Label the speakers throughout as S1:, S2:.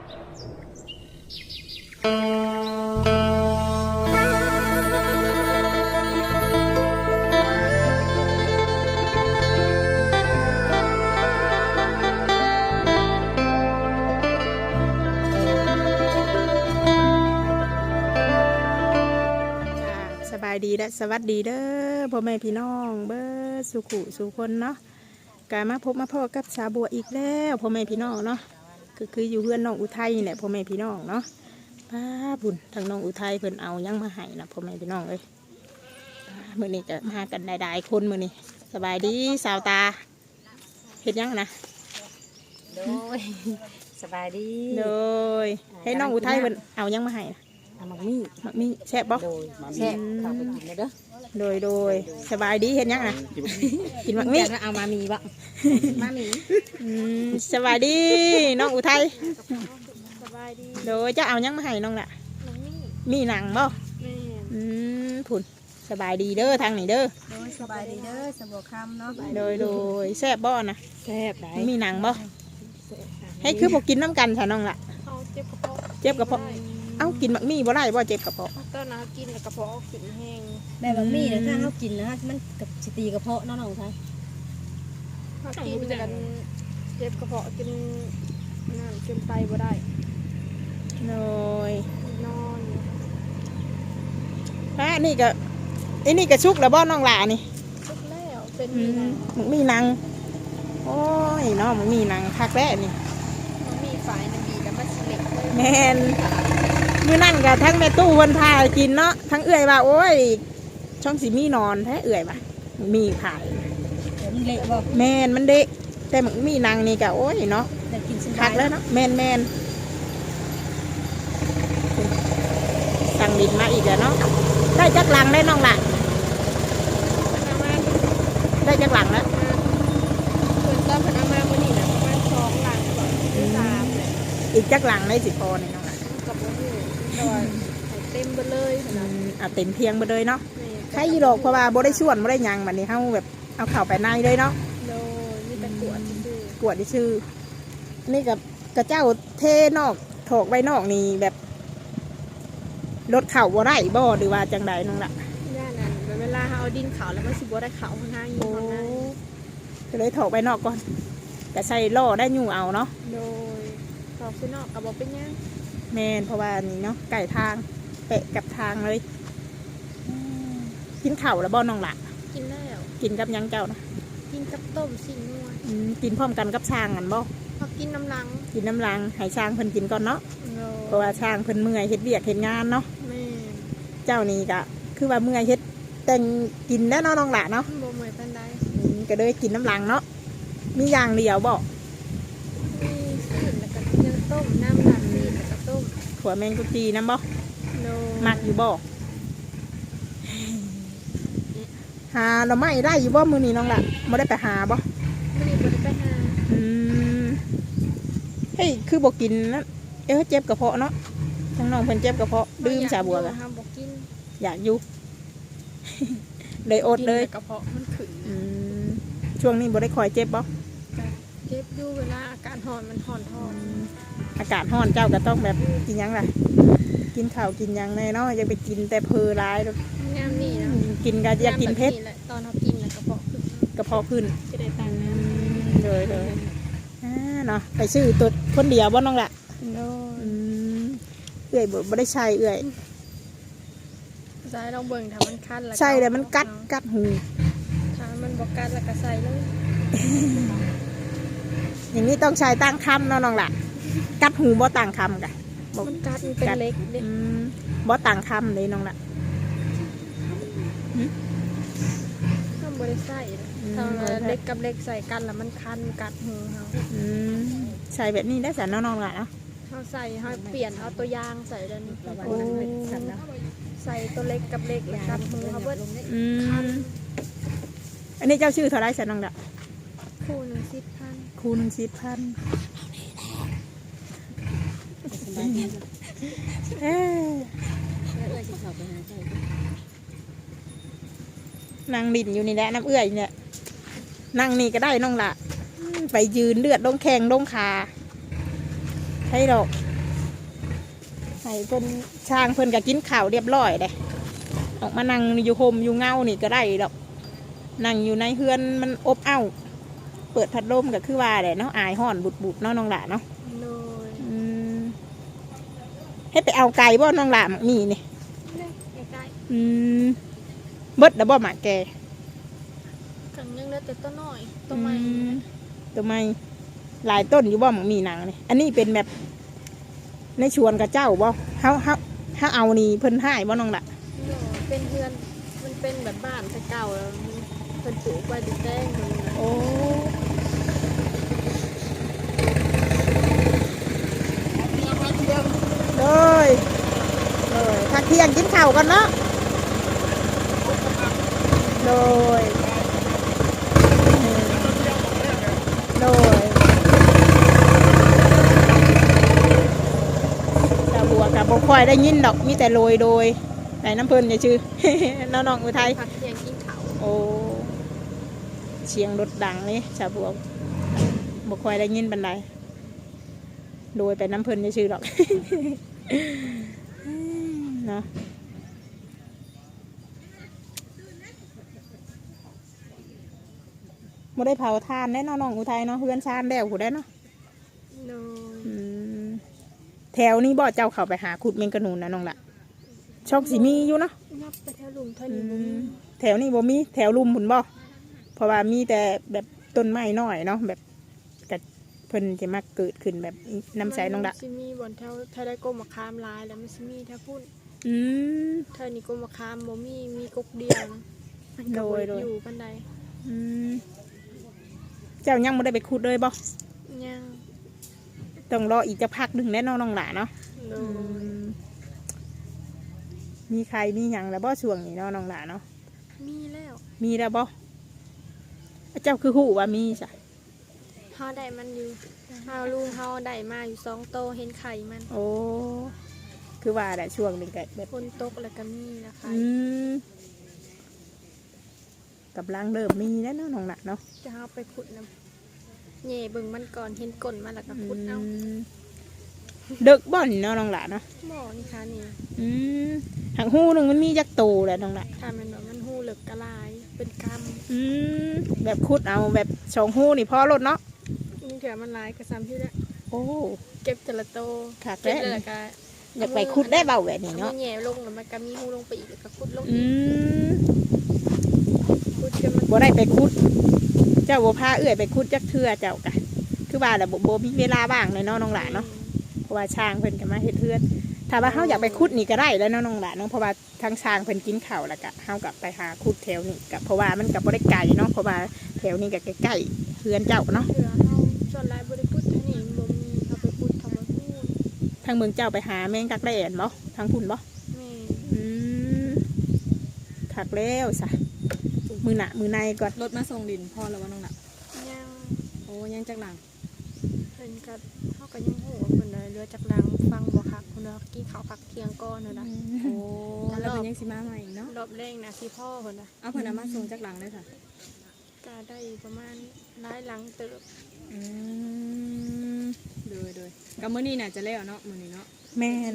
S1: สบายดีและสวัสดีเด้อพ่อแม่พี่น้องเบ้อสุขุสุคนเนาะกามาพบมาพ่อกับสาบัวอีกแล้วพ่อแม่พี่น้องเนาะคืออยู่เพื่อนน้องอุทัยเนี่ยพ่อแม่พี่น้องเนาะป้าบุญทางน้องอุทัยเพิ่นเอายังมาให้นะพ่อแม่พี่น้องเลยมื้อนี้จะมากันได้ๆคนมื้อนี้สบายดีสาวตาเฮ็ดยังนะ
S2: โดยสบายดี
S1: โดยให้น้องอุทัยเพิ่นเอายังมาให้นะ
S2: มักมี่
S1: แซ่บบ่
S2: โดยแซ่บเข้าไปกินเลยเด้อ
S1: โดยสบายดีเห็นยังนะกินมักมี่
S2: เอามามีบ่มามี
S1: สบายดีน้องอุทัยสบายดีโดยจะเอายังมาให้น้องล่ะมีหนังบ่ผุนสบายดีเด้อทางนี้เด้อ
S3: โดยสบายดีเด้อสบัวคำเนาะ
S1: โดยแซ่บบ่นะ
S2: แซ่บได้
S1: มีหนังบ่ให้คือบอกกินน้ำกันค่ะน้องล่ะ
S3: เจ็บกระเพาะ
S1: เจ็บกระเพาะเอ้ากินมักมี่บ่ได้บ่เจ็บกระเพาะ
S3: ตอนนั้นกินกระเพาะขึ้นแห้ง
S2: แบบมักมี่เนี่ยถ้าเขากินนะมันกับสิตีกระเพาะน้องๆใช่
S3: เขากินกันเจ็บกระเพาะกินนั่นกินไตบ่ได้
S1: โดย
S3: นอน
S1: นี่ก็นี่ก็ชุกแล้วบ่น้องหล่านี่
S3: ชุกแล้วเป็น
S1: มักมี่หนังโอ้ยน้องมักมี่หนังคักแร้นี่
S3: มีฝ่ายน้ำบีกับมัสลิด
S1: แม่นมื้อนั่นก็ทั้งแม่ตู้เพิ่นพากินเนาะทั้งเอื้อยว่าโอ้ยช่องสิมีนอนแท้เอื้อยว่ะมีขาย
S2: มันเละบ่
S1: แม่นมันเด็กแต่มันมีนางนี่ก็โอ้ยเนาะคักแล้วเนาะแม่นสั่งดินมาอีกแล้วเนาะได้จักหลังได้น้องล่ะได้จักหลังแล้ว
S3: คนก็พนักงานวันนี้นะประมาณ2 หลังก่อน3เลย
S1: อีกจักหลังได้10 พอนี่น้องล่ะ
S3: กับโอ้โหเต็มไปเลย
S1: เต็มเพียงไปเลยเนาะใครยีโรกเพราะว่าบ่ได้ส่วนบ่ได้ยังบัดนี้เฮาแบบเอาเข้าไปในเลยเนาะ
S3: โดยมีแต่กวด
S1: ชื่อนี่กับกระเจ้าเทนอกถอกใบนอกนี่แบบรถเข่าบ่ได้บ่หรือว่าจังใดน้องล่ะ
S3: ย่านั่นเวลาเอาดินเขาแล้วมันสิบ่ได้เขาข้างในอยู่ข้างใน
S1: ก็เลยถอกใบนอกก่อนแต่ใส่ล่อได้อยู่เอาเนาะ
S3: โดยถอกนอกกับบ่เป็นยัง
S1: แม่นเพราะว่านี่เนาะไก่ทางเปะกับทางเลยกินข้าวแล้วบ่น้องล่ะ
S3: กินแล้ว
S1: กินกับยังเจ้านะ
S3: กินกับต้มสิ่งนัว
S1: กินพร้อมกันกับช้างกันบ่
S3: พอกินน้ำ
S1: ลังให้ช้างเพิ่นกินก่อนเนาะเพราะว่าช้างเพิ่นเมื่อยเฮ็ดเวียกเฮ็ดงานเนาะ
S3: แม่
S1: เจ้านี่ก็คือว่าเมื่อยเฮ็ดแต่งกินแล้วเนาะน้องล่ะเนาะ
S3: บ่เมื่อยปานใด
S1: ก็เลยกินน้ำลังเนาะมีอย่างเดียวบ่
S3: มีสิ่งแล้วก็ยังต้มน้ำหลังนี่แล้วก็ต้ม
S1: ขัวแมงกุจีน้ำบ่มักอยู่บ่หาเราไม่ได้อยู่บ่มื้อนี้น้องล่ะบ่ได้ไปหาบ่
S3: มื้อนี้บ่ได้ไปหา
S1: เฮ้ยคือบ่กินนะเจ็บกระเพาะเนาะทั้งน้องเพิ่นเจ็บกระเพาะดื่มชาบัวกะอยากอยู่เลยอดเลย
S3: กระเพาะมันขึ้น
S1: ช่วงนี้บ่ได้คอยเจ็บบ่
S3: เจ็บอยู่เวลาอากาศร้อนมันร้อนท้อง
S1: อากาศร้อนเจ้าก็ต้องแบบกินยังล่ะกินข้าวกินยังแน่เนาะอย่าไปกินแต่เพลร้าย
S3: งามนี่นะ
S1: กินก็อยากกินเผ็ด
S3: ตอนเรากินแล้ว
S1: กระเพาะขึ้น
S3: จะได้ตังค์
S1: เลยเนาะไปซื้อตัวคนเดียวบ่น้องล่ะเอื่อยบ่ได้ใช้เอื่อย
S3: ใส่ลองเบิ่งถ้ามันคัน
S1: ใช่แต่มันกัดหู
S3: ถ้ามันบ่กัดแล้วก็ใส่เลย
S1: อย่างนี้ต้องใช้ตั้งคำเนาะน้องล่ะกัดหูบ่ต่างคำกะ
S3: มันกัดเป็นเล็ก
S1: บ่ต่างคำเลยน้องล่ะ
S3: ก็บ่ได้ใส่ถ้าเล็กกับเล็กใส่กันแล้วมันคันกัดหูเขา
S1: ใส่แบบนี้ได้สันน้องล่ะเนาะ
S3: เขาใส่เขาเปลี่ยนเอาตัวยางใส่แล้วนี่ใส่ตัวเล็กกับเล็กกัดหูเขาเบิด
S1: อันนี้เจ้าชื่อเท่าไรสันน้องล่ะ
S3: คู่1 10,000
S1: คู่1 10,000นั่งดินอยู่นี่แหละน้ำเอื้อยเนี่ยนั่งนี่ก็ได้น้องล่ะไปยืนเลือดลงแข้งลงขาให้ดอกให้เพิ่นช่างเพิ่นก็กินข้าวเรียบร้อยเลยออกมานั่งอยู่โฮมอยู่เงานี่ก็ได้ดอกนั่งอยู่ในเฮือนมันอบอ้าวเปิดพัดลมก็คือว่าแหละเนาะอายห่อนบุดๆเนาะน้องหล่ะเนาะ
S3: โดย
S1: ให้ไปเอาไก่บ่น้องหล่ะมีนี่
S3: ใกล้
S1: เบิดแล้วบ่หมาแก
S3: ๆกันยังเหลือแต่ต้นน้อยต้นใหม่
S1: ตัวไม้หลายต้นอยู่บ่หมมีหนังนี่อันนี้เป็นแบบในชวนกับเจ้าบ่เฮาเอานี่เพิ่นให้บ่น้องหล่ะ
S3: โดยเป็นเพื่อนมันเป็นแบบบ้านแต่เก่าแล้วมันเพิ่นปลูกไว้ดินแดงเลยนะ
S1: โอ้เลยพักเที่ยงกินข้าวกันเนาะเลยตาบัวกับบ่ค่อยได้ยินดอกมีแต่โรยโดยแต่น้ำเพิ่นอย่าชื่อ น้องอุทัย
S3: พักเที่ยงกินข้าว
S1: โอ้เสียงรถดังนี่ชาวบัวบ่ค่อยได้ยินบันไดโดยไปน้ำเพิ่นอย่าชื่อดอก เนาะบ่ได้เผาทานได้เนาะน้องอุทัยเนาะเฮือนชานแล้วผู้ได้เนาะ
S3: โดย
S1: แถวนี้บ่เจ้าเข้าไปหาขุดเมงกะนูนนะน้องละช่องสีมีอยู่เนาะ
S3: นับไปแถวหลุมเท่านี้บ่มี
S1: แถวนี้บ่มีแถวลุมหุ่นบ่เพราะว่ามีแต่แบบต้นไม้น้อยเนาะแบบกับเพิ่นจะมาเกิดขึ้นแบบน้ำใสน้องละ
S3: มันสิมีบ่อนแถวถ้าได้กลมมะขามหลายแล้วมันสิมีแถวพุ่น
S1: อืม
S3: เท่านี้กลมมะขามบ่มีกกเดียวนะมันก็บ่
S1: โด
S3: ได้
S1: ย
S3: อยู่ปานใด
S1: อืมเจ้ายังไม่ได้ไปขุดเลยบ่
S3: ยัง
S1: ต้องรออีกจะพักหนึ่งแน่นอนน้องหล่ะเนาะ
S3: โดย
S1: มีใครมีหยังแล้วบ่ช่วงนี้เนาะน้องหล่ะเนาะ
S3: มีแล้ว
S1: มีแล้วบ่เจ้าคือหูว่ามีจ้ะ
S3: เฮาได้มันอยู่เฮาลุงเฮาได้มาอยู่2โตเห็นไข่มัน
S1: โอ้คือว่าได้ช่วงหนึ่งก็แบบ
S3: ฝนตกแล้วก็มีนะคะ
S1: กำลังเริ่มมีแล้วเนาะน้องหล่ะเนาะ
S3: จะเฮาไปขุดนํแหน่เบิ่งมันก่อนเห็นก้นมันแล้วก็ขุดเอา
S1: เด็กบ่อนเนาะน้องหล่ะเนาะ
S3: หม้อนี่ค่ะนี่
S1: หางหูหนึ่งมันมีจักโตแหละน้องหล่ะ
S3: ถ้ามันว่ามันหูเหลือกกะลายเป็นกำ
S1: แบบคุดเอาแบบสองหูนี่พอรถเนาะ
S3: นี่เถื่อมันหลายกระซ้ำที่แล้ว
S1: โอ้
S3: เก็บแต่ละโต
S1: ค่ะ
S3: เก็บ
S1: แกะ
S3: เลยแล้วก็
S1: อยากไปคุดได้เบาแบบนี้
S3: เอา
S1: เนาะ
S3: มือแหย่ลงแล้วมันก็มีหูลงไปอีกแล้วก็ขุดลง
S1: อื
S3: อีก
S1: ม
S3: ขุดจนมัน
S1: บ่ได้ไปคุด เจ้าบ่พาเอื้อยไปคุดจักเทื่อเจ้ากะคือว่าแต่บ่มีเวลาว่างเลยเนาะน้องหล่ะเนาะเพราะว่าช้างเพิ่นก็มาเฮ็ดเฮือนถ้าว่าเฮาอยากไปคุดนี่ก็ได้แล้วเนาะน้องหล่ะเนาะเพราะว่าทางช้างเพิ่นกินข้าวแล้วก็เฮาก็ไปหาคุดแถวนี้ก็เพราะว่ามันก็บ่ได้ไกลเนาะเพราะว่าแถวนี้ก็ใกล้ๆเฮือนเจ้าเนาะ
S3: เถื่อเฮาจนหลายบ่ได้ขุดเท่านี้บ่มีเฮาไปขุดทำมาพูด
S1: ทางเมืองเจ้าไปหาแมงกักแล่นบ่ทางพุ่นบ่
S3: แม่
S1: ถักแล้วสะมือหนะมือในก่อน
S2: รถมาส่งดินพ่อแล้วว่าน้องหลัก
S3: ยัง
S2: โอ้ยังจักหลัง
S3: เพิ่นก็เฮาก็ยังฮู้ว่าเพิ่นได้เรือจากดังฟังบ่คักเพิ่นว่ากินข้าวผักเที่ยงก่อนเด้อนะ
S2: โอ้แล้วเป็นยังสิมาใหม่อีกเนาะ
S3: รอบแรกนะที่พ่อเพิ่นน่ะ
S2: เอาเพิ่นเอามาส่งจักหลังเลยค่ะ
S3: ก็ได้ประมาณหลายหลังเติบ
S2: โดยกับมื้อนี้น่ะจะแล้วเนาะมื้อนี้เนาะ
S1: แมน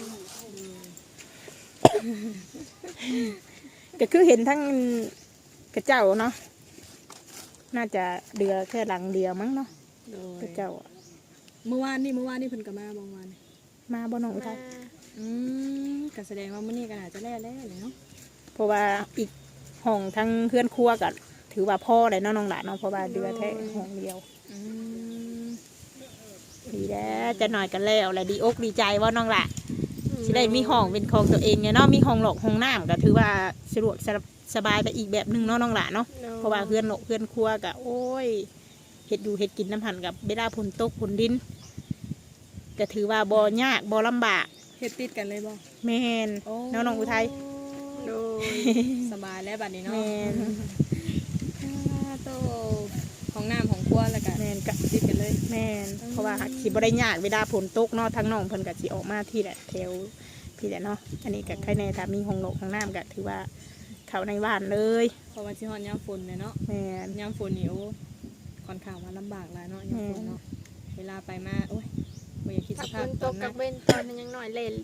S1: ก็คือเห็นทั้งกระเจ้าเนาะน่าจะเดือแค่หลังเดียวมั้งเนาะ
S2: โด
S1: ก
S2: ย
S1: ระเจ้าอะ
S2: เมื่อวานนี่เพิ่นก็มาบางวัน
S1: มาบ่น้องอุทัย
S2: ก็แสดงว่ามื้อนี้ก็น่าจะแล้วเลยเนาะ
S1: เพราะว่าอีกห้องทั้งเพื่อนครัวก็ถือว่าพ่อเลยเนาะน้องหลานเนาะเพราะว่าเดือแค่ห้องเดียวดีแล้วจะหน่อยกันแล้วแหละดีอกดีใจว่าน้องหละสิได้มีห้องเป็นของตัวเองเนี่ยเนาะมีห้องหลอกห้องน้ำก็ถือว่าสะดวกสบายไปอีกแบบหนึงเนาะน้องหละเนาะเพราะว่าเพื่อนหลอกเพื่อนครัวก็โอ้ยเห็ดอยู่เห็ดกินน้ำหันกับเวลาฝนตกฝนดินก็ถือว่าบ่ยากบ่ลำบาก
S2: เฮ็ดติดกันเลยบ่
S1: แม่นเนาะน้องอุทัย
S3: โดย
S2: สบายแล้วบัดนี้เนาะ
S1: แม่น
S2: โตของน้ำของครัวแล้วก็
S1: แม่นก็
S2: ติดกันเลย
S1: แม่นเพราะว่าสิบ่ได้ยากเวลาฝนตกเนาะทั้งน้องเพิ่นก็สิออกมาที่แหละแถวพี่แหละเนาะอันนี้ก็ใครในถ้ามีห้องหลอกห้องน้ำก็ถือว่าเข้าในบ้านเลย
S2: เพราะว่าสิฮอดยามฝนเนี่ยเนาะ
S1: แม่น
S2: ยามฝนนี่โอ้ค่อนข้างว่าลำบากหลายเนาะยามฝนเนาะเวลาไปมาโอ้ยบ่อยากคิดส
S3: ถ้า
S2: ภา
S3: ฝ
S2: พ
S3: น
S2: ต
S3: ต
S2: อก น
S3: กั
S2: นั้
S3: บ
S2: น
S3: เว้นตอนนั้นยังน้อยเล่น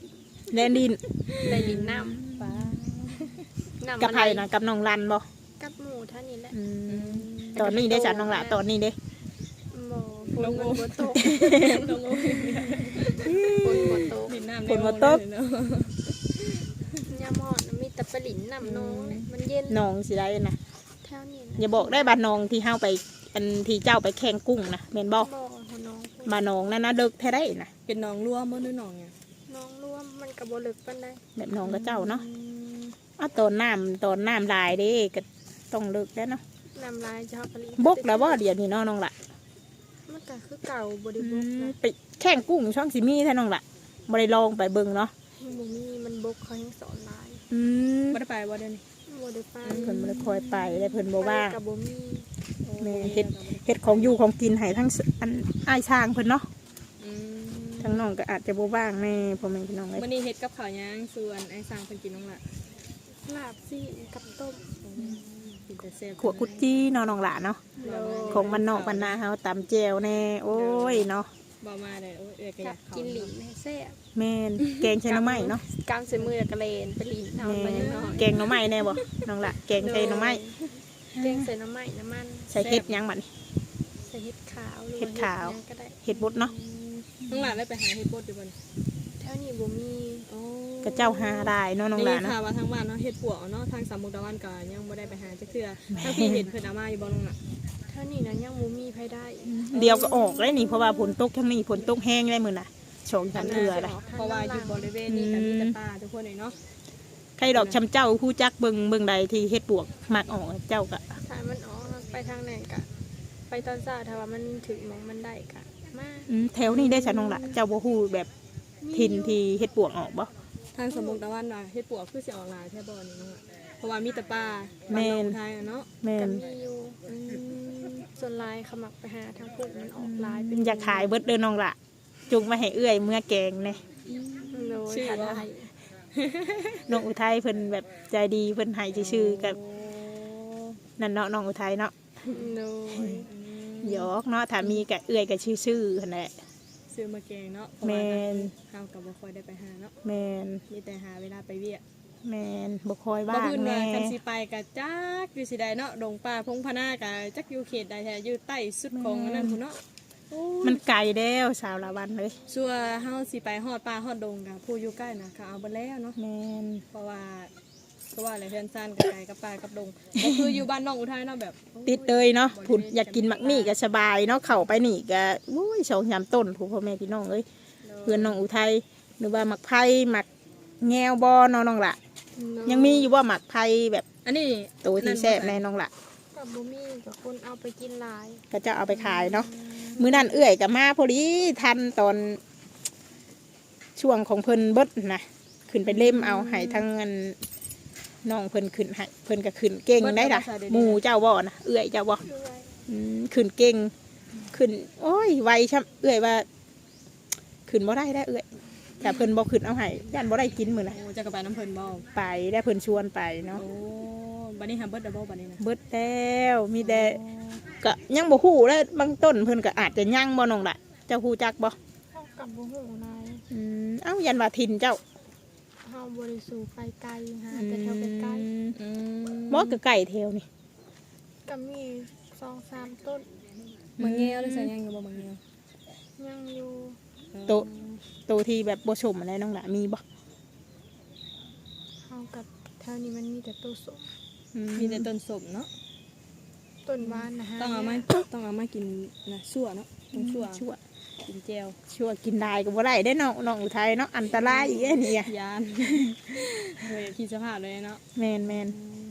S1: แล่นดิน
S3: ได้ดินน้
S2: ป้า
S3: ำน้ำ
S1: กับ
S3: มัน
S1: ไผนะกับน้องรันบ่
S3: กับหมูเท่านี้แหละ
S1: ตอนนี้ได้จัดน้องละตอนนี้เด้
S3: บ่ฝนมันบ่ตก
S2: น้องโอ้ย
S3: ฝนบ่ตก
S2: ดินน้ำ
S1: ฝนบ่ตก
S2: เนาะ
S3: ยามอนมีแต่ปลาหลินน้ำน้องเนี่ยมันเย็น
S1: น้องสิได้นะ
S3: แถวนี้
S1: อย่าบอกได้บ้านน้องที่เฮาไปอันที่เจ้าไปแข่งกุ้งนะแม่นบ่
S3: บ่ของน้อง
S1: บ้านน้องนั่นนะเดึกแท้ได้นะ
S2: เป็นน้องร่วมบ่หรือน้องหยัง
S3: น้องร่วมมันก็บ่ลึกปานใด
S1: แบบน้องกับเจ้าเนาะอ้าวตอนน้ำลายเด้ก็ต้องเลิกแล้วเนาะ
S3: น้ำลายจะเฮาปลาหลิน
S1: บกแล้วบ่เดี๋ยวนี้เนาะน้องละ
S3: มันก็คือเก่าบ่ได้บกนะ
S1: ไปแข่งกุ้งช่องสิมีแท้น้องละบ่ได้ลองไปเบิ่งเนาะ
S3: บ่มีมันบกเขายังสอนหลาย
S2: บ่ได้ไปบ่เดี๋ยวนี้
S3: บ่ได้ไป
S1: เพิ่นบ่ได้คอยไปได้เพิ่นบ่ว่าง
S3: ไปก็บ่มี
S1: แม่เฮ็ดของอยู่ของกินให้ทั้งอันอ้ายช้างเพิ่นเนาะ
S2: อืม
S1: ทั้งน้องก็อาจจะบ่ว่างแม่พ่อแม่พี่น้องเอ้ย
S2: มื้อนี้เฮ็ดกับข้าวหยังส่วนไอ้สร้างเพิ่นกินน้องละ
S3: ลาบซี่กับต้ม
S2: กินแต่แซ่บ
S1: ขวกุดจี้เนาะน้องละเนาะ
S3: โล
S1: ของมันนอกมันนาเฮาตำแจ่วแน่โอ้ยเนาะ
S2: บ่มาได้โอ้ยเอ้ยก็อ
S3: กั
S2: ยา
S3: บ
S2: กเข้า
S3: กินหลินให้แซ่บ
S1: แม่นแกงใช้หน่อไม้เนาะ
S3: กำใส่มือกระเลนไปหลินเอา
S1: แม่
S3: ไปยังน้อย
S1: แกงหน่อไม้แน่บ่น้องละแกงใช้หน่อไม้
S3: แกงใส่น้ำไม้น้ำมัน
S1: ใส่เฮ็ดหยังบัดนี้
S3: ใส่เห็ดขาวหรือ
S1: เห็ดขาว
S3: หยังก็ได้
S1: เฮ็ดบดเนาะ
S2: น้องหลานได้ไปหาเฮ็ดบดอยู่บ่นี่
S3: แถวนี้บ่มี
S2: โอ้
S1: กระเจ้าหาได้เนาะน้องหลาน
S2: ได้ยิ
S1: เนาะ
S2: ข่าวว่าทางบ้านเนาะเฮ็ดปวกเนาะทางสามมุกดาวันก็ยังบ่ได้ไปหาจักเทื่อทางพี่เห็นเพิ่นเอามาอยู่บ่น้องน่ะ
S3: แถวนี้นะยังบ่มีไผได้
S1: เดียวก็ออกเลยนี่เพราะว่าฝนตกทั้งนี้ฝนตกแห้งได้มื้อน่ะสองสามเทื่อเลย
S2: เพราะว่าอยู่บริเวณนี้ก็มีแต่ป่าทุกคนเลยเนาะ
S1: ใครดอกชำเจ้าผู้จักเบิ่งใดที่เฮ็ดปวกมักออกเจ้าก็
S3: ถ้ามันออกไปทางไหนกะไปตอนเช้าถ้าว่ามันถึงหมองมันได้กะมา
S1: แถวนี้ได้ฉันน้องละเจ้าบ่ฮู้แบบถิ่นที่เฮ็ดปวกออกบ่
S2: ทางสามมุกดาวันน่ะเฮ็ดปวกคือสิออกหลายแท้บ่นี่น้องอะเพราะว่ามีแต่ป่า
S1: แม่
S2: บ้าน
S1: น
S2: นองไทยอะเนาะ
S1: แม่
S3: ก็
S1: น
S3: มีอยู่ส่วนลายขมักไปหาทางพวกมันออกลายเป็น
S1: อยากขายเบิดเด้อน้องละจุงมาให้เอื้อยเมื่อแกงแน่
S3: โดยขาได้
S1: น้องอุทัยเพิ่นแบบใจดีเพิ่นให้ชื่อๆกับนั่นเนาะน้องอุทัยเนาะ
S3: โดย
S1: หยอกเนาะถ้ามีก็เอื้อยก็ชื่อๆหั่นแหละ
S2: ซื้อมาแกงเนาะเพราะ
S1: แม่
S2: ว่าน เฮาก็บ่ค่อยได้ไปหาเนาะ
S1: แม่น
S2: มีแต่หาเวลาไปเวียก
S1: แม่นบ่คอย
S2: บ่
S1: ว่าง
S2: พื้นว่า
S1: แน่
S2: คันสิไปก็จักอยู่สิใดเนาะดงป่าพงพนาก็จักอยู่เขตใดแท้อยู่ใต้สุดของอันนั้นพุ่นเนาะโอ้
S1: มันไกลแล้วสาวละวันเลย
S2: ชัวเฮาสิไปฮอดป่าฮอดดงกับผู้อยู่ใกล้น่ะเขาเอาเบิดแล้วเนาะ
S1: แม่น
S2: เพราะว่าอะไรเพื่อนซ่านกับไก่กับปลากับดงก็คืออยู่บ้านน้องอุทัยเนาะแบบ
S1: ติดเลยเนาะผุดอยากกินมักมี่ก็สบายเนาะเข้าไปนี่ก็อุ้ยสองสามต้นผู้พ่อแม่พี่น้องเอ้ยเพื่อนน้องอุทัยหรือว่ามักไผ่มักแงวบอน้องละยังมีอยู่ว่ามักไผ่แบบ
S2: อันนี้
S1: ตัวที่แซ่บในน้องละ
S3: กับบุมี่กับคนเอาไปกินหลาย
S1: ก็จะเอาไปขายเนาะมื้อนั้นเอื้อยกับมาพอดีทันตอนช่วงของเพิ่นเบิดนะขึ้นไปเล่มเอาให้ทั้งเงินน้องเพิ่นขึ้นให้เพิ่นก็ขึ้นเก่งได้ล่ะหมู่เจ้าบ่นะเอื้อยเจ้าบ่
S3: ด้วย
S1: ขึ้นเก่งขึ้นโอ้ยไวช่ำเอื้อยว่าขึ้นบ่ได้เอื้อยแต่เพิ่นบ่ขึ้นเอาให้ย่านบ่ได้กินมื้อน่ะ
S2: โอ้จะกระไปน้ำเพลินบ่
S1: ไปได้เพิ่นชวนไปเนาะ
S2: โอ้บันนี้ฮัมเบิร์ดดับเบิลบันนี้นะ
S1: เบิดแล้วมีแต่ก็ยังบ่ฮู้แล้วบางต้นเพิ่นก็อาจจะยังบ่น้องล่ะเจ้าฮู้จักบ่
S3: เข้ากับบุหูนาย
S1: เอ้ายันว่าถิ่นเจ้า
S3: เฮาบริสุทธิ์ไปไกลฮะแต่แถวใกล้
S2: อืม
S1: บ่ก็ไก่แถวนี่
S3: ๆก็มี2-3ต้น
S2: มังเงี้ยวได้ใส่ยังอยู่บ่มังเงี้ยว
S3: ยังอยู่
S1: โตที่แบบบ่สมอะไรน้องล่ะมีบ่
S3: เฮากับแถวนี้มันมีแต่ต้นสม
S2: มีแต่ต้นสมเนาะ
S3: ต้นหวานนะฮะ
S2: ต้องเอามากินนะชั่วเนาะต้องชั่ว
S1: ชั่ว
S2: กินเจล
S1: ชั่วกินได้ก็บ่ได้ได้น้องอุทัยเนาะอันตรายอีกนี่อะ
S2: ยานเฮ้ยคิดสภาพเลยเนาะ
S1: แม่น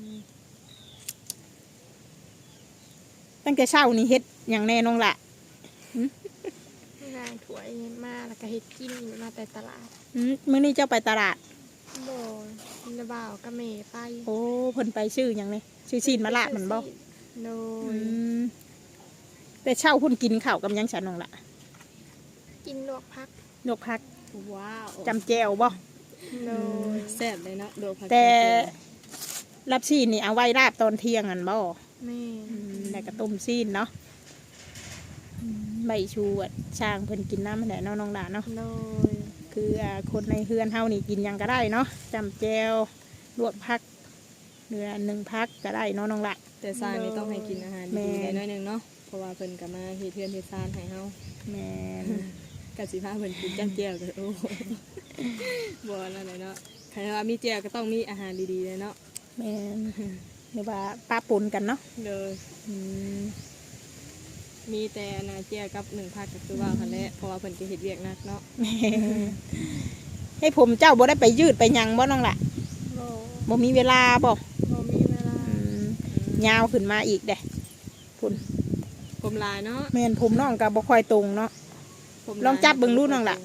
S1: ตั้งแต่เช้านี่เฮ็ดหยังแน่น้องล่ะ
S3: นางถวยมาแล้วก็เฮ็ดกินอยู่มาแต่ตลาด
S1: มื้อนี้เจ้าไปตลาด
S3: บ่ระบ่าวกับแม่ไป
S1: โอ้เพิ่นไปชื่อหยังนี่ชื่อซีนมะละมันบ่
S3: โด
S1: อื
S3: ย
S1: มแต่เช้าเพิ่นกินข้าวกับหยังฉันน้องล่ะ
S3: กินลวกพัก
S1: ยกพัก
S2: ว้าว
S1: จำแจวบ่
S3: โดย
S2: แซ่บเลยเนาะโดผัก
S1: แต่รับซีนนี่เอาไว้ราบตอนเที่ยงอันบ่
S3: แม่
S1: แล้วก็ต้มซีนเนาะใบชูช่างเพิ่นกินน้ำแหละเนาะน้องหลานเนาะ
S3: โดย
S1: คือคนในเฮือนเฮานี่กินหยังก็ได้เนาะจำแจวลวกผักเนื้อ1พักก็ได้เนาะน้องละ
S2: แต่ซานนี่ต้องให้กินอาหาร
S1: แม่
S2: ดีๆได้หน่อยหนึงเนาะเพราะว่าเพิ่นก็มาเฮ็ดเฮือนเฮ็ดซานให้เฮา
S1: แม่น
S2: ก็สิพาเพิ่นกินจ้ำแจ่วก็โอ้ บ่นั่นแหละเนาะใครว่ามีแจ่วก็ต้องมีอาหารดีๆเลยเนาะ
S1: แม่นหรือว่าป้าปนกันเนาะ
S2: เด้อ
S1: อืม
S2: มีแต่นาแจ่วกับ1ผักก็คือว่าคั่นแหละเพราะว่าเพิ่นก็เฮ็ดเวียกหนักเนาะ
S1: ให้ผมเจ้าบ่ได้ไปยืดไปหยังบ่น้องละ
S3: บ่
S1: บ่มีเวลาบ่
S3: บ่มีเวลา
S1: ยาวขึ้นมาอีกเด้พุ่น
S2: ผมลายเนาะ
S1: แม่นผมน้องก็บ่ค่อยตรงเนาะ
S2: ผม
S1: ลองจับเบิ่งดูน้องล่ะ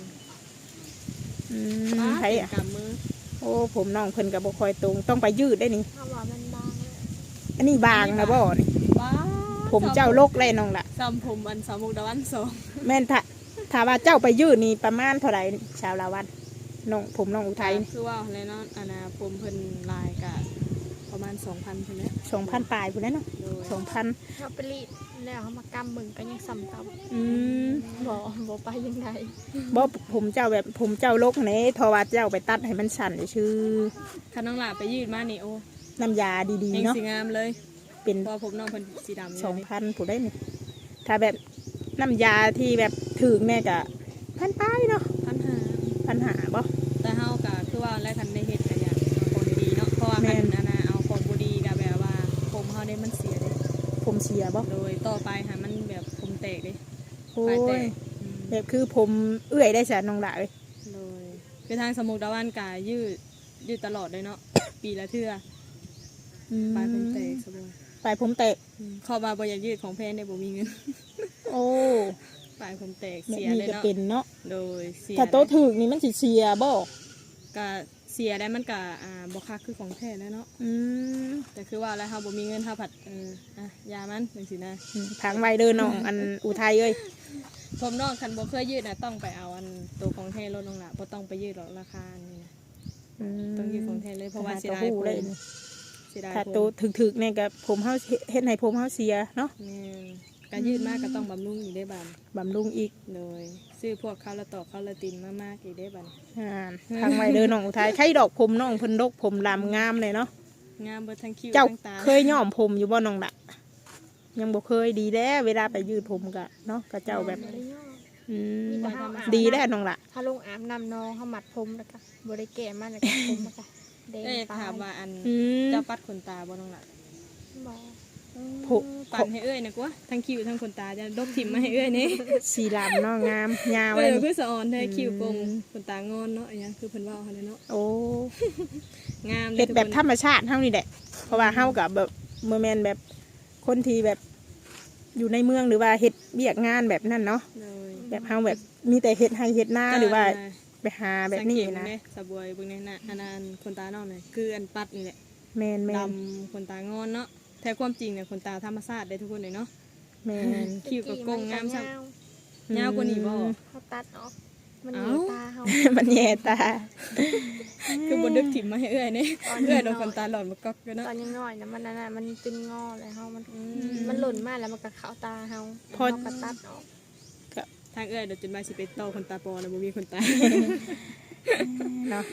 S2: อ้า
S1: ไผ
S2: เจ็บ
S1: อ่ะ
S2: กำมือ
S1: โอ้ผมน้องเพิ่นก็บ่ค่อยตรงต้องไปยืดได้นี่
S3: ถ้าว่ามันบางเลย
S1: อันนี้บางนะบ่นี่
S2: ว้า
S1: ผมเจ้าลกเลยน้องล่ะ
S2: ซ้ำผมอันสามมุกดาวันสอง
S1: แม่นถ้าว่าเจ้าไปยืดนี่ประมาณเท่าไหร่ชาวลาวันน้องผมน้องอุทัยนี่
S2: คือว่าอะไรเนาะอันน่ะผมเพิ่นลายกะประมาณ 2,000เพิ่นแหละ
S1: 2,000ปลายพุ่นแหล้วเนาะ
S2: โดย
S1: 2,000
S3: เขาไปรีดแล้วเขามากำมึงก็ยังซ้ำเก่า
S1: อืม
S3: บ่ไปยังไง
S1: บ่ผมเจ้าแบบผมเจ้าลกนี่ทว่าเจ้าไปตัดให้มันสั่นชื่อ
S2: คันน้องหลาไปยืดมานี่โอ้
S1: น้ำยาดี
S2: เอง
S1: ๆเนาะ
S2: สีงามเลย
S1: เป็น
S2: เพราะว่าผมน้องเพิ่นสีดำเลย
S1: 2,000ผู้ได้นี่ถ้าแบบน้ำยาที่แบบถึงแม่ก็พันป้ายเนาะ
S2: 1,500
S1: ปัญหาบ่
S2: แต่เฮาก็คือว่าแล้วคันได้เฮ็ดก็อยากเอาของดีๆเนาะเพราะว่า
S1: แม่
S2: คัน
S1: น
S2: อันน่ะเอาของบ่ดีก็แบบว่าผมเฮาได้มันเสียเด้
S1: ผมเสียบ่
S2: โดยต่อไปหามันแบบผมแตกเด้
S1: โอ้
S2: ปลายแต
S1: ย
S2: กอืม
S1: แบบคือผมเอื้อยได้จ้ะน้องหละเอ้ย
S2: โดยคือทางสมุกดาวันกายืดตลอดเลยเนาะ ปีละเทื่อ
S1: อืม
S2: ปลายผมแตกสบาย
S1: ปลายผมแตก
S2: เข้ามาบ่อยากยืดของแพนได้บ่มีเงิน
S1: โอ้
S2: ปลายผมแตก
S1: แบบ
S2: เสีย
S1: นี้
S2: เลย
S1: ก็
S2: เนาะ
S1: เป็นเนาะ
S2: โดยเสีย
S1: ถ้าโตถึกนี่มันสิเสียบ่
S2: ก็เสียได้มันก็บ่คักคือของแท้แล้วเนาะ
S1: อืม
S2: แต่คือว่าแล้วเฮาบ่มีเงินเฮาผัดยามันจังซี่นะ
S1: ทางไวเด้อน้องอันอุทัยเอ้ย
S2: ผมน้องคันบ่เคยยืดน่ะต้องไปเอาอันตัวของแท้ลดลงล่ะบ่ต้องไปยืดหรอกราคานี่นะ ต้องยืดของแท้เลยเพราะว่าเสียดาย
S1: ห
S2: ผม
S1: เลย
S2: เสียดาย
S1: ถ้า
S2: ผม
S1: โตถึกๆเนี่ยก็ผมเฮาเฮ็ดให้ผมเฮาเสียเนาะ
S2: แม่นการยืดมากก็ต้องบำรุงอีกได้บัด
S1: บำรุงอีก
S2: เลยซื้อพวกข้าวละตอกข้าวละตินมากๆอีกได้บัด
S1: ทางไวเด้อน้องอุทัยใครดอกผมน้องเพิ่นดกผมลำงามเลยเนาะ
S2: งามเบิดทั้งคิ้ว
S1: เจ้า
S2: ทั้งตา
S1: เคยย้อมผมอยู่บ่น้องละยังบ่เคยดีแล้วเวลาไปยืดผมก็เนาะก็เจ้าแบบ
S3: บ่ได้ย่อ
S1: อืม
S3: มีแต่เฮาอาบ
S1: ดีแล้วน้องละ
S3: ถ้าลงอาบน้ำน้องเขามัดผมแล้วก็บ่ได้แก้มันแล้วก็ผมแล้วก็แดง
S2: ได้
S3: ตา
S2: ถามว่าอัน
S1: อืม
S2: เจ้าปัดขนตาบ่น้องล่ะ
S3: บ่
S1: ผม
S2: ปั่นให้เอ้ยนะกว่าทั้งคิ้วทั้งขนตาจะดกถิ่มมาให้เอ้ยนี่
S1: สีลำเนาะงามยาว
S2: เอ
S1: เลย
S2: อ
S1: นี่
S2: คือสะออนแท้คิ้วโกงขนตางอนเนาะอันนี้คือเพิ่นเว้าหั่นแหละเนาะ
S1: โอ้
S2: งามเลย
S1: เฮ็ดแบบ
S2: ทุก
S1: ธรรมชาติเฮานี่แหละเพราะว่าเฮากับแบบเมื่อแมนแบบคนที่แบบอยู่ในเมืองหรือว่าเฮ็ดเบียกงานแบบนั้นเนาะ
S2: เลย
S1: แบบเฮาแบบมีแต่เฮ็ดให้เฮ็ดหน้าหรือว่าไปหาแบบนี้
S2: สังเกต
S1: นะ
S2: เบิ่งเด้สะบวยเบิ่งในน่ะอันนั้นขนตานอกนี่คืออันปัดนี่แหละ
S1: แมนแม
S2: ด
S1: น
S2: ำขนตางอนเนาะแท้ความจริงเนี่ยขนตาธรรมชาติได้ทุกคนเลยเนาะ
S1: แมน
S2: คิ้วกับโกงงามซ้
S3: ยาว
S2: ยาวกว่านี้บ่
S3: เขาตัดออกมันเห
S2: เอ้า
S3: นียวตาเฮา
S1: มันแย่ตา
S2: คือบนดึกถิ่มมาให้เอื้อยนี่
S3: ตอน
S2: เอื้อยโด
S3: น้
S2: น
S3: อย
S2: ขนตาหลอนมาก๊อกกันเนาะ
S3: ตอนยังน้อยนะมันนั่นน่ะมันเป็นงอเลยเฮามันหล่นมากแล้วมันก็เข้าตาเฮาเฮาก็ตัดออก
S2: ทางเอื้อยเดี๋ยวจนมาสิไปต่อขนตาปลอแล้วบ่มีขนตา
S1: เนาะ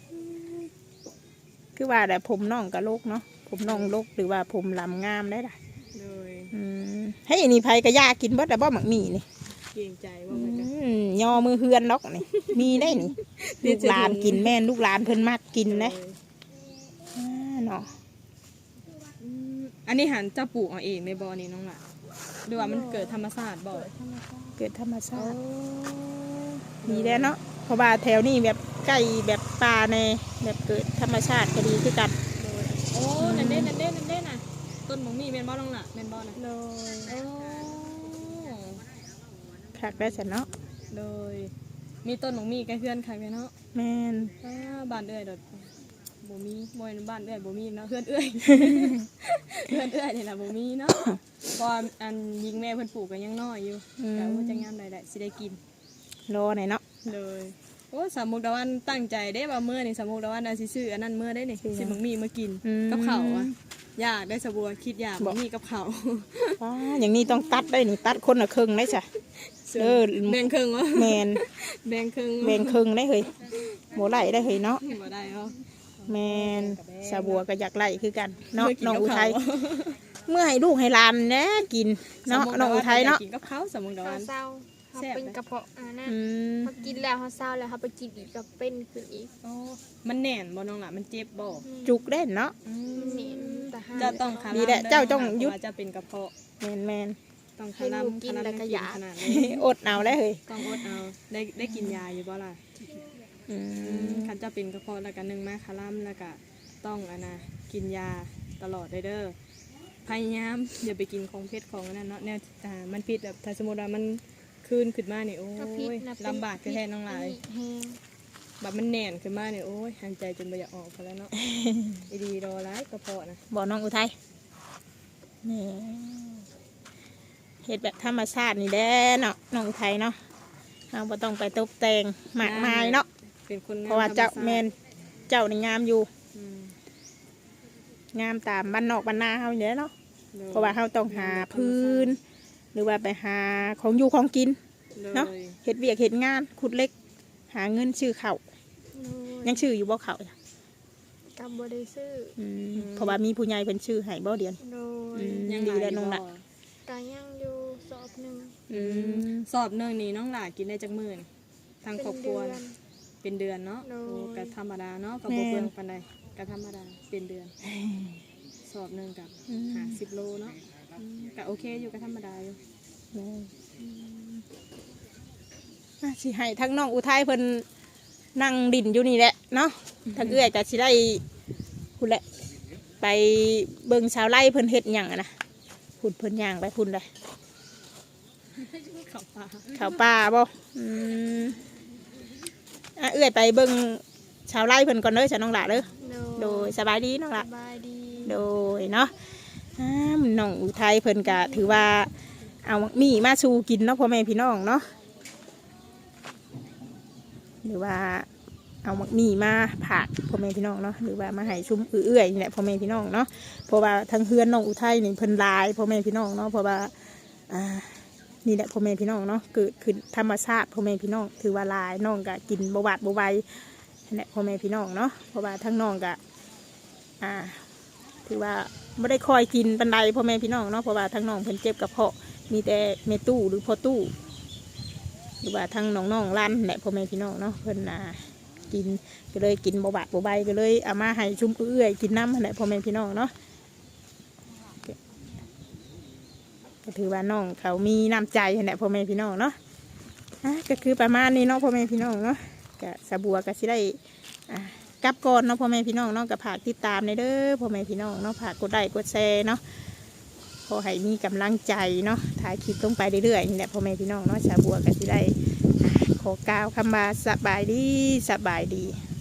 S1: คือว่าแต่ผมน้องกับโลกเนาะผมน้องโลกหรือว่าผมลำงามได้ล่ะ
S2: เลย
S1: ให้อันนี้ไผก็ยากินเบิดแต่บ่หมักหมี่นี่
S2: เกรงใจว่ามันจะ
S1: ยอมือเฮือนล็อกนี่ มีได้นี่ ลูกหลานกินแม่นลูกหลานเพิ่นมากกินนะเนาะ
S2: อันนี้หันเจ้าปลูกเอาเองในบ่อนี่น้องล่ะหรือว่ามันเกิดธรรมชาติบ่
S1: เกิดธรรมชาติดีแล้วเนาะเพราะว่าแถวนี้แบบใกล้แบบป่าในแบบเกิดธรรมชาติก็ดีคือกัน
S2: โอ้นั่นเด้นั่นเด้นั่นเด้น่ะต้นหมงมีแม่นบ่น้องล่ะแม่นบ่น่ะ
S3: เลย
S2: โอ้
S1: คักได้ฉันเนาะ
S2: โดยมีต้นหมงมีใกล้เพื่อนคักเลยเนาะ
S1: แม่น
S2: บ้านเอื้อยดอกบ่มีบ่ในบ้านเอื้อยบ่มีเนาะเพื่อนเอื้อย เพื่อนเอื้อยนี่ล่ะบ่มีเนาะเพราะว่าอันยิงแม่เพิ่นปลูกก็ยังน้อยอยู่แต่ว่าจะงามได้สิได้กิน
S1: รอหน่อยเนาะ
S2: เลยโอ้สามมุกดาวันตั้งใจได้ว่ามื้อนี่สามมุกดาวันน่ะสิซื้ออันนั้นมื้อได้นี่สิบังมีมากินกับข้าวอ่ะอยากได้สะบัวคิดอยากบังมีกับข้าว
S1: ว้าอย่างนี้ต้องตัดได้นี่ตัดคนละครึ่งได้จ้ะ
S2: ส
S1: เด้อ
S2: แบ่งครึ่งวะ
S1: แมน
S2: แบ่งครึ่ง
S1: แบ่งครึ่งได้เฮ้ยบ่ไหลได้เฮ้ยเนาะ
S2: บ่ได้เนาะ
S1: แมนสาบัวก็อยากไหลคือกันเนาะ
S2: มื่กิ
S1: น้อง
S2: กับ
S1: อุทัย
S2: เขา
S1: เมื่อให้ลูกให้หลานแหน่กินเนาะน้องอุทัยเนาะ
S2: กินกับเขาสมมุติ
S3: เขา
S2: ว่า
S3: เศร้าเขาเป็นกระเพาะนั่น
S1: อืม
S3: เขากินแล้วเขาเศร้าแล้วเขาไปกินอีกก็เป็นขึ้นอีก
S2: อ๋อมันแน่นบ่น้องล่ะมันเจ็บบ่
S1: จุกได้เนาะ
S3: มันเหน็นแต่ห้า
S2: เจ้าต้องคา
S1: ดีแหละเจ้าต้องยุด
S2: เพราะว่าจะเป็นกระเพาะ
S1: แมน
S2: ต้อง
S3: ให้ลูกกินแล้วก็หยา
S2: ขนาดนี้
S1: ๆ อดเอาได้เฮ้ย
S2: ต้องอดเอาได้กินยาอยู่บ่ล่ะ
S1: อืม
S2: คันจะเป็นกระเพาะแล้วก็นึ่งมาคาร่ำแล้วก็ต้องกินยาตลอดเด้อพยายามอย่าไปกินของเผ็ดของอันนั้นเนาะแนวมันผิดแบบถ้าสมมติว่ามันคืนขึ้นมาเนี่ยโอ้
S3: ก็พิษ
S2: ย
S3: นะ
S2: ลำบากแท้ๆน้องหลาย
S3: แห้ง
S2: แบบมันแน่นขึ้นมาเนี่ยโอ้ยหายใจจนไม่อยากออกกันแล้วเนาะ ไอ้ดีรอร้ายกระเพาะนะ
S1: บอกน้องอุทัยนี่เฮ็ดแบบธรรมชาตินี่แหละเนาะน้องอุทัยเนาะเราบ่ต้องไปตกแต่งมากมายเนาะ
S2: เป็นคนงม
S1: เพราะว่าเจ้า
S2: ธรรชติ
S1: แมนเจ้านี่งามอยู่
S2: อืม
S1: งามตามบ้านนอกบ้านนาเฮาอยู่แล้วเนาะ
S2: โดย
S1: เพราะว่าเฮาต้องหาพื้น หรือว่าไปหาของอยู่ของกิน
S2: โดย
S1: เนาะ เฮ็ดเวียกเฮ็ดงานขุดเหล็ก หาเงินชื่อเขาวยังชื่ออยู่บ่เขาวจ้ะ
S3: กับบริซื้อ
S1: เพราะว่ามีผู้ใหญ่เป็นชื่อให้บ่เดียน
S3: โด
S1: อื
S3: ย
S1: ม
S2: ยัง
S1: ดี
S2: หลาย
S1: แล้ว
S2: อยู่
S1: น้อง
S2: บ่
S1: ละ
S3: กายังอยู่สอบหนึ่ง
S2: สอบเนื่องนี้น้องหลากินได้จักมื้อนี่ทางครอบครัว
S3: เป็นเดือน
S2: เป็นเดือนเนาะ
S3: โดย
S2: โอ้ก็ธรรมดาเนาะก็บ่เปลืองปานใดก็ธรรมดาเป็นเดือน สอบหนึ่งกับ50 โลเนาะก็โอเคอยู่ก็ธรรมดาอยู่
S1: สิให้ทั้งน้องอุทัยเพิ่นนั่งดินอยู่นี่แหละเนาะทั้งเอื้อยก็สิได้พุ่นแหละไปเบิ่งชาวไร่เพิ่นเฮ็ดหยังอะนะพุ่นเพิ่นย่างไปพุ่นเลย
S2: เข้าป่า
S1: เขาป่าบ่เอื้อยไปเบิ่งชาวไร่เพิ่นก่อนเด้อจ้ะน้องหลาเด้อโดยสบายดีน้องหลา
S3: สบายดี
S1: โดยเนาะน้องอุทัยเพิ่นก็ถือว่าเอามีมาชูกินเนาะพ่อแม่พี่น้องเนาะหรือว่าเอามีมาผักพ่อแม่พี่น้องเนาะหรือว่ามาให้ชุ่มเอื้อยนี่แหละพ่อแม่พี่น้องเนาะเพราะว่าทั้งเฮือนน้องอุทัยนี่เพิ่นหลายพ่อแม่พี่น้องเนาะเพราะว่านี่แหละพ่อแม่พี่น้องเนาะเกิดขึ้นธรรมชาติพ่อแม่พี่น้องถือว่าหลายน้องก็กินบ่หวาดบ่ไหวนั่นแหละพ่อแม่พี่น้องเนาะเพราะว่าทั้งน้องก็ถือว่าไม่ได้คอยกินปันไดพ่อแม่พี่น้องเนาะเพราะว่าทั้งน้องเพิ่นเจ็บกระเพาะมีแต่เมตู้หรือพอตู้หรือว่าทั้งน้องๆร้านแหละพ่อแม่พี่น้องเนาะเพิ่นกินก็เลยกินบ่บาดบ่ใบก็เลยเอามาให้ชุ่มเอื้อยกินน้ำแหละพ่อแม่พี่น้องเนาะก็ถือว่าน้องเขามีน้ำใจแหละพ่อแม่พี่น้องเนาะก็คือประมาณนี้เนาะพ่อแม่พี่น้องเนาะก็สะบัวก็สิได้กลับก่อนเนาะพ่อแม่พี่น้องเนาะกับผากติดตามในเด้อพ่อแม่พี่น้องเนาะผากกดไลค์กดแชร์เนาะพอให้มีกำลังใจเนาะถ่ายคลิปลงไปเรื่อยๆนี่แหละพ่อแม่พี่น้องเนาะชาวบัวก็สิได้ขอกล่าวคำว่าสบายดีสบายดี